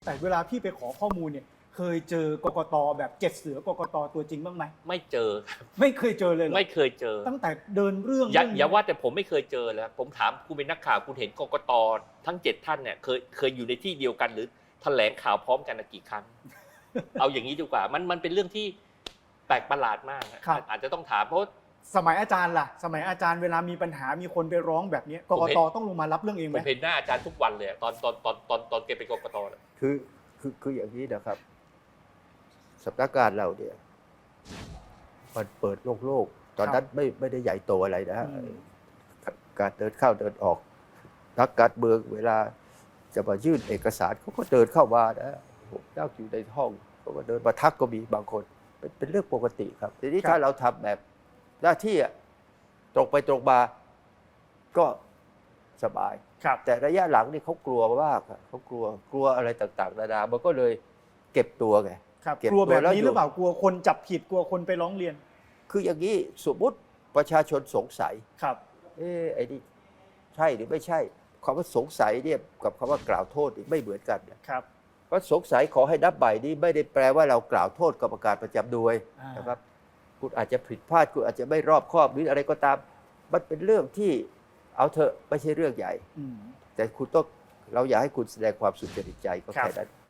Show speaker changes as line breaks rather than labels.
แต่เวลาพี่ไปขอข้อมูลเนี่ยเคยเจอกกตแบบ7 เสือกกตตัวจริงบ้างไหม
ไม่เจอครับ
ไม่เคยเจอเลยเหรอ
ไม่เคยเจอ
ตั้งแต่เดินเรื่อง
อย่าว่าแต่ผมไม่เคยเจอแล้วผมถามคุณเป็นนักข่าวคุณเห็นกกตทั้ง7 ท่านเนี่ยเคยอยู่ในที่เดียวกันหรือแถลงข่าวพร้อมกันกี่ครั้ง เอาอย่างนี้ดีกว่ามันเป็นเรื่องที่แปลกประหลาดมากนะอาจจะต้องถามเพราะ
สมัยอาจารย์ล่ะสมัยอาจารย์เวลามีปัญหามีคนไปร้องแบบนี้กกตต้องลงมารับเรื่องเองไห
ผม มเห็นหน้าอาจารย์ทุกวันเลยตอนแกเป็นกกตเลย
คืออย่างนี้นะครับสำนักงานเราเนี่ยมันเปิดโลกตอนนั้นไม่ได้ใหญ่โตอะไรนะการเดินเข้าเดินออกนักการเมืองเวลาจะมายื่นเอกสารเขาก็เดินเข้ามานะผมนั่งอยู่ในห้องเขาก็เดินมาทักก็มีบางคนเป็นเรื่องปกติครับทีนี้ถ้าเราทำแบบหน้าที่ตรงไปตรงมาก็สบายแต่ระยะหลังนี่เขากลัวมากเขากลัวอะไรต่างๆนานามันก็เลยเก็บตัวไง
กลัวแบบนี้หรือเปล่ากลัวคนจับผิดกลัวคนไปร้องเรียน
คืออย่างนี้สมมติประชาชนสงสัย
ครับ
ไอ้นี่ใช่หรือไม่ใช่คำว่าสงสัยเนี่ยกับคำว่ากล่าวโทษไม่เหมือนกัน
ครับ
เพราะสงสัยขอให้นับใหม่นี่ไม่ได้แปลว่าเรากล่าวโทษกรรมการประจำหน่วยนะครับคุณอาจจะผิดพลาดคุณอาจจะไม่รอบคอบหรืออะไรก็ตามมันเป็นเรื่องที่เอาเถอะไม่ใช่เรื่องใหญ่แต่คุณต้องเราอยากให้คุณแสดงความสุจริตใจก็แค่นั้น